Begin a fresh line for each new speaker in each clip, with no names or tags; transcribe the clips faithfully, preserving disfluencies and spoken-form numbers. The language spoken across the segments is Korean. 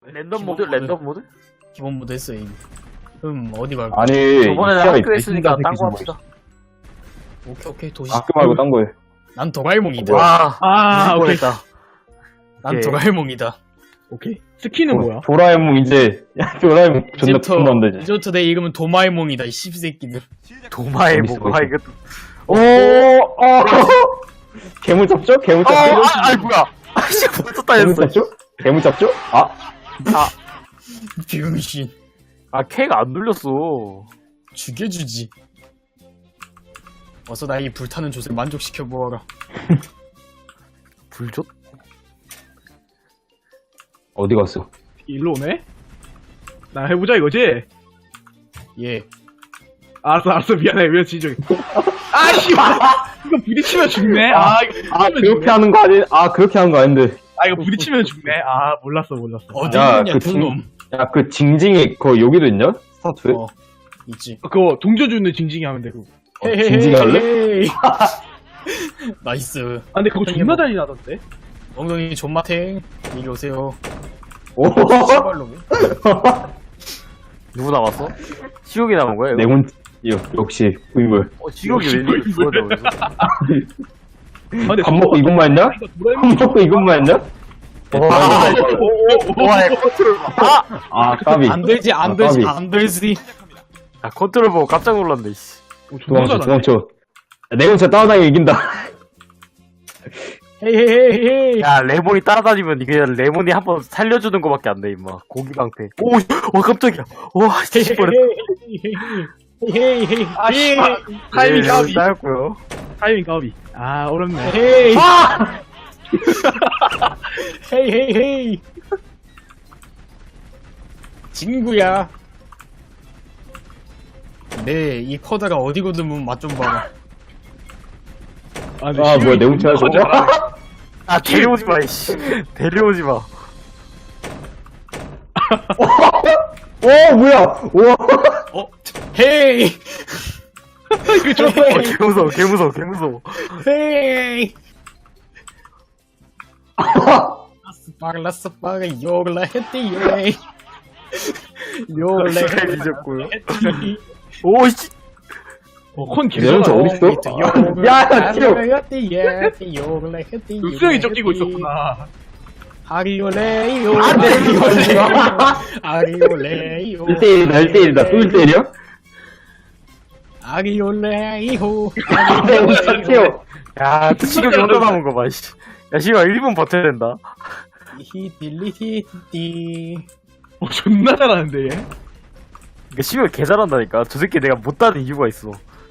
랜덤 모드? 랜덤 모드?
기본 모드 했어 이미. 음 어디 말고.
아니
저번에
시야에
학교 했으니까 딴 거
새끼
합시다.
오케이 오케이 도시.
학교 말고 딴 거에.
난 도라에몽이다.
와,
아, 오케이.
뻔했다.
난
오케이.
도라에몽이다.
오케이. 스키는 뭐야?
도라에몽 이제 야 도라에몽 존나
이제부터
부푼다 이제.
이제부터 내 이름은 도마에몽이다 이 씹새끼들.
도마에
재밌어,
뭐가
재밌어.
이거.
오, 어. 괴물 잡죠? 괴물
아,
잡죠?
아, 아, 뭐야. 아씨, 벌써
괴물
따였어.
잡죠? 괴물 잡죠? 아,
아,
병신.
아, K가 안 눌렸어.
죽여주지. 어서 나의 불타는 조 만족시켜 보아라.
불줬?
어디 갔어?
일로 오네? 나 해보자 이거지?
예.
알았어, 알았어. 미안해. 왜 지적이. 아, 씨발! 이거 부딪히면 죽네. 아, 이거
아,
부딪히면
그렇게
죽네.
하는 거 아니, 아, 그렇게 하는 거 아닌데.
아, 이거 부딪히면 죽네. 아, 몰랐어, 몰랐어.
어디
야,
있냐
그
그놈.
야, 그 징징이, 그 여기도 있냐? 스타트에?
어 있지.
그거 동조주는 징징이 하면 돼, 그거.
어, 징징이 할래?
헤헤헤헤. 나이스.
아, 근데 그거 존나 잔인하던데?
엉덩이 존마탱 이리 오세요.
오,
씨발로.
누구 남았어? 시옥이 남은 거야? 이거?
내몬, 여, 역시, 구인물.
어, 시옥이 왜 이렇게
시옥이
죽었냐, 여기서?
아, 근데
밥 먹고 이것만 했냐?
이거 도라에몽
밥 먹고 이것만 했냐?
와, 와, 컨트롤 봐. 아!
아, 까비.
안 되지 안
아,
되지
까비.
안 되지.
야, 컨트롤 보고 깜짝 놀랐네, 씨.
어, 존나
도망쳐,
잘하네.
도망쳐. 내 혼자 따라다니면 이긴다.
헤헤헤헤.
야, 레몬이 따라다니면 이게 레몬이 한번 살려주는 거밖에 안 돼, 임마. 고기 방패. 오, 와, 깜짝이야. 와, 씨, 뻔했다.
헤헤헤헤.
아, 씨발. 타이밍
네,
까비.
따였고요.
타이밍 까비. 아, 어렵네.
헤이.
아!
헤이 헤이 헤이. 친구야. 네, 이 커다가 어디거든 맛 좀 봐라.
아, 근데
아,
시간이
뭐야, 내 혼자
존나
하죠?
잘하네.
아, 데려오지 마, 이씨. 데려오지 마.
오, 뭐야! 우와!
어? 헤이.
이거 존나
어, 개 무서워, 개 무서워, 개 무서워.
헤이. 라스 빠가 요글라 했디 요이. 요글라
시간이 늦었고요. 오, 씨.
어, 컨
내 혼자
개잘하네.
어딨어? 야, 야, 튀어!
육성이 쫓기고 있었구나.
아리올레이요. 아리올레이요.
일 대일이다, 일 대일이다. 또 일 대일이야?
아리올레이요.
내 혼자 튀어!
야, 또 시력이 혼자 남은 거 봐, 씨. 야, 시간 일 분 버텨야 된다.
히딜리히디.
어, 존나 잘하는데, 얘.
그러니까 시간 개 잘한다니까. 저 새끼 내가 못 따는 이유가 있어.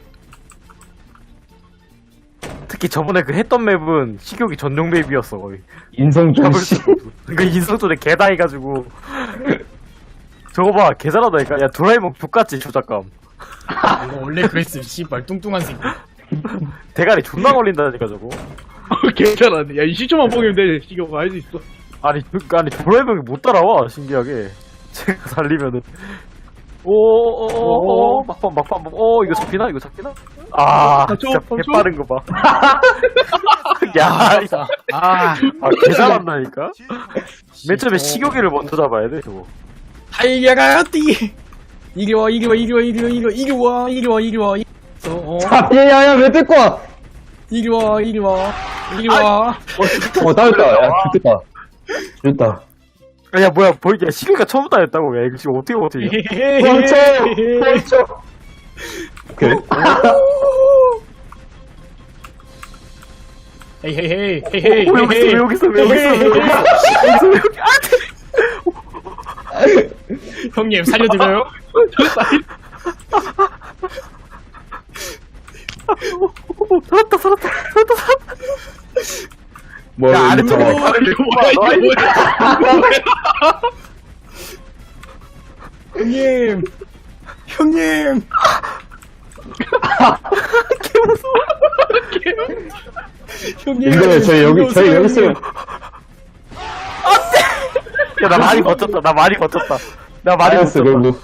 특히 저번에 그 했던 맵은 식욕이 전용 맵이었어, 거의.
인성준
잡을
씨.
수가 없어. 그 인성조대 개당해가지고. 저거 봐, 개 잘하다니까. 야, 도라에몽 족같지, 조작감.
이거 원래 그랬음 씨발 뚱뚱한 새끼.
대가리 존나 걸린다니까, 저거.
어, 개 잘하네. 야, 이십 초만 뽕이면 돼. 시경아, 할 수 있어.
아니, 그, 아니, 도라에몽이 못 따라와, 신기하게. 제가 살리면은. 오오오오 막판 막판 오 이거 잡히나 이거 잡히나 아
삼 초,
진짜
삼 초?
개빠른 거봐야
아,
아, 개잘한다니까 맨 처음에 식욕이를 먼저 잡아야 돼 저거
달려가 뛰. 이리 와 이리 와 이리 와 이리 와 이리 와 이리 와 이리 와 이리 와. 어,
아, 야, 야, 야, 왜 뜯고 와!
이리 와 이리 와 이리 와.
어, 따였다. 야, 좋겠다. 좋다.
야 뭐야 뭐 이게 식욕이가 처음부터 했다고 야 이거 지금 어떻게 어떻게
멈춰! 멈춰! 오케이.
헤이 헤이 헤이 헤이 헤이
오, 여기 있어, 왜 여기 있어, 왜 여기 있어, 왜 여기 있어, 왜 여기
형님 살려드려요.
살았다 살았다 살았다 살았다
뭐,
야,
야,
아랫쪽
저,
아, 이거 뭐야, 이거 뭐야.
형님 형님. 형님.
근데 저희 여기, 저희 여기 있으면,
야나 많이 버텼다 나 많이 버텼다 나 많이
알았어,
버텼다
그래도.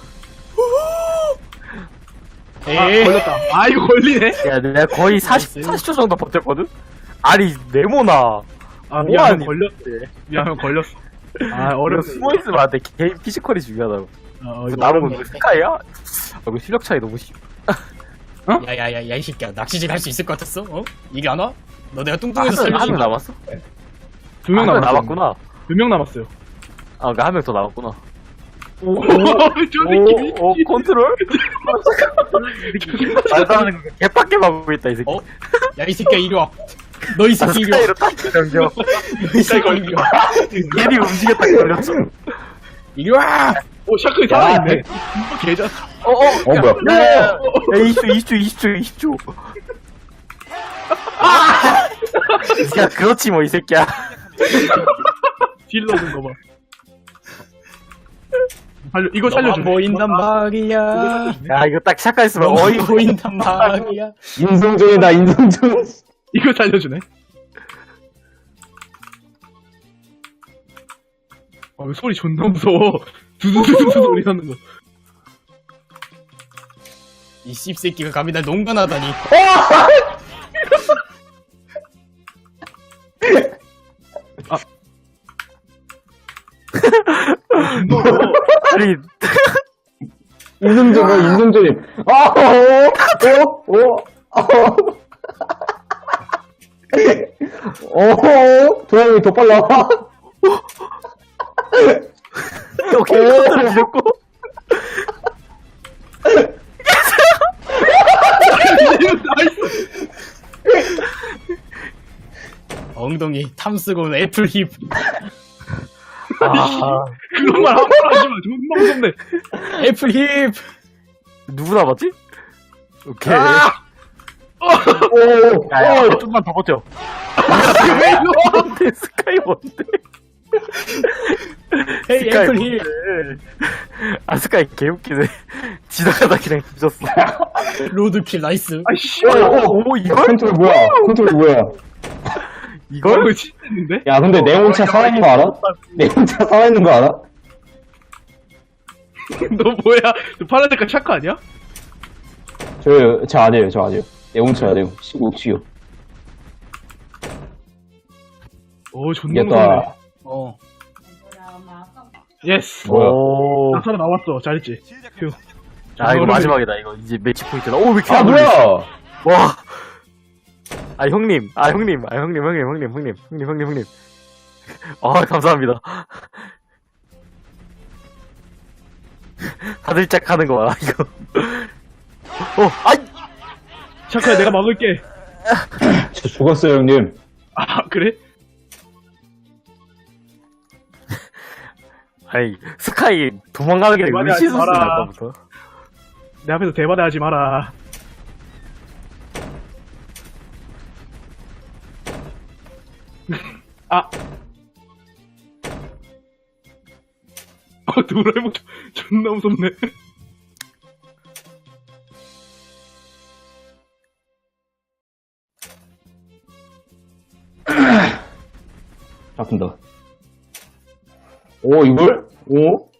아,
에이.
걸렸다. 아, 이거 걸리네.
야 내가 거의 사십, 사십 초 정도 버텼거든? 아니 네모나
아, 미안하면
뭐하니?
걸렸대. 미안하면 걸렸어. 아,
어려
어렵네.
숨어있으면 안 돼. 개인 피지컬이 중요하다고.
어,
그
이거
남은
어렵네.
건 스카이야? 아, 이거 실력 차이 너무 심.
야야야 야 이 새끼야 낚시질 할 수 있을 것 같았어? 어? 이리 안 와? 너 내가
아,
뚱뚱해서
한명
살려준 거
남았어?
두 명
한 명
남았어.
남았구나.
두 명 남았어요.
아, 그니까 한 명 더 남았구나.
오, 저 새끼.
오, 오, 컨트롤? 말도 안 하는 거 개빡게 막고 있다, 이 새끼.
어? 야 이 새끼야 이리 와. 너 이
아,
새끼 이리 와.
스카이로 딱 넘겨.
이 새끼 이리 와.
괜히 움직였다 걸렸어.
이리 와.
오, 샤크이 살아있네. 개자.
어, 어,
어, 뭐야.
야, 야, 야, 야, 이십 초, 이십 초, 이십 초, 이십 초. 아! 야, 그렇지, 뭐, 이 새끼야.
딜 넣는 거 봐. 살려, 이거
너만
살려줘.
보인단 말이야.
야, 이거 딱 시작했으면
너만
어이,
보인단 말이야.
인성전이다, 인성전.
이거 살려주네. 아, 왜 소리 존나 무서워. 두두두두 소리 나는 거.
이 씹새끼가 감히 날 농간하다니.
아니,
인성전, 뭐, 인성전이. 아, 어, 어, 어, 어. 어, 도영이 더 빨라.
오케이, 컨트롤 지렸고.
엉덩이 탐쓰고 온 애플 힙.
아,
그런 말 함부로 하지 마. 존나 무섭네.
애플 힙.
누구 남았지? 오케이.
오,
야, 야, 좀만 더 버텨. 뭔데, 스카이 뭔데?
헤이
스카이
애플
뭔데?
힙.
아, 스카이 개웃기네. 지나가다 그냥 뒤졌어.
로드킬 나이스.
아이씨.
오, 오,
오, 이걸?
컨트롤 뭐야? 컨트롤 뭐야?
이걸?
이거 진짜 있는데?
야, 근데 네온차 살아있는 거 알아? 네온차 살아있는 거 알아?
너 뭐야? 너 파란 색깔 샤크 아니야?
저, 저 아니에요, 저 아니에요. 네온차 아니에요. 시국, 시국.
오, 존나 무섭네.
이겼다.
어.
예스.
뭐야?
오.
나 살아나왔어. 잘했지? 휴.
아, 이거 마지막이다, 이거. 이제 매치 포인트다. 오, 왜 이렇게
아,
안
뭐야?
올리지? 와. 아, 형님. 아, 형님. 아, 형님, 형님, 형님, 형님, 형님, 형님, 형님. 아, 감사합니다. 다들 짝하는 거 봐라, 이거. 어, 아이!
샤크야, 내가 막을게.
저 죽었어요, 형님.
아, 그래?
아이, 스카이 도망가는 게
대박이
의시수스
하지 마라.
아까부터.
내 앞에서 대바대 하지 마라. 아. 어, 도라에몽 존- 존나 무섭네.
잡힌다. 오, 이걸? 오?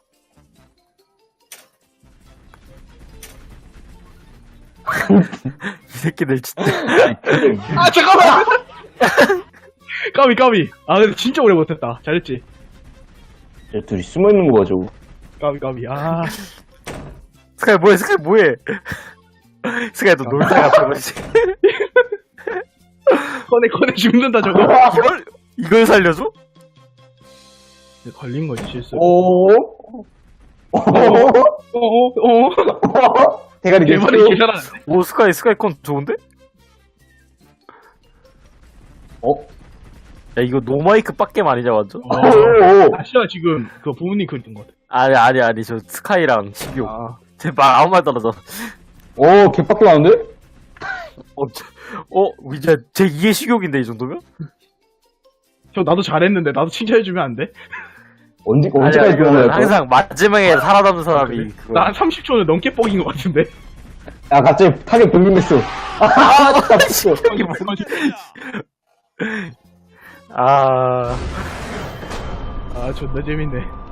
이 새끼들 진짜.
아, 잠깐만! 까비, 까비. 아, 근데 진짜 오래 못했다. 잘했지?
저 둘이 숨어있는 거 봐, 저거.
까비, 까비. 아.
스카이 뭐해, 스카이 뭐해. 스카이 너 놀다가 저거지.
꺼내, 꺼내 죽는다, 저거.
이걸, 이걸 살려줘?
걸린 거지, 실수.
오? 오?
어, 어, 어.
대가리
대바대
개수.
개잘하는데?
오, 스카이, 스카이 컨 좋은데?
어?
야, 이거 노마이크 빡겜 아니냐, 완전?
어.
오,
아, 씨야, 지금, 그 부모님 그랬던 것 같아.
아니, 아니, 아니, 저 스카이랑 십이오.
아.
제발 아무 말 떨어져.
오, 개빡게 나는데?
어, 저- 어, 이제 제 이의 식욕인데, 이 정도면?
저, 나도 잘했는데, 나도 칭찬해주면 안 돼?
언제,
아니,
언제까지
아니,
그런
이거는
거야?
항상 마지막에 살아남는 사람이.
그래?
그거.
나 한 삼십 초는 넘게 뻑인 것 같은데?
야, 갑자기 타겟 분림했어. 아, 잡혔어.
이게 뭐, 아.
아, 존나 재밌네.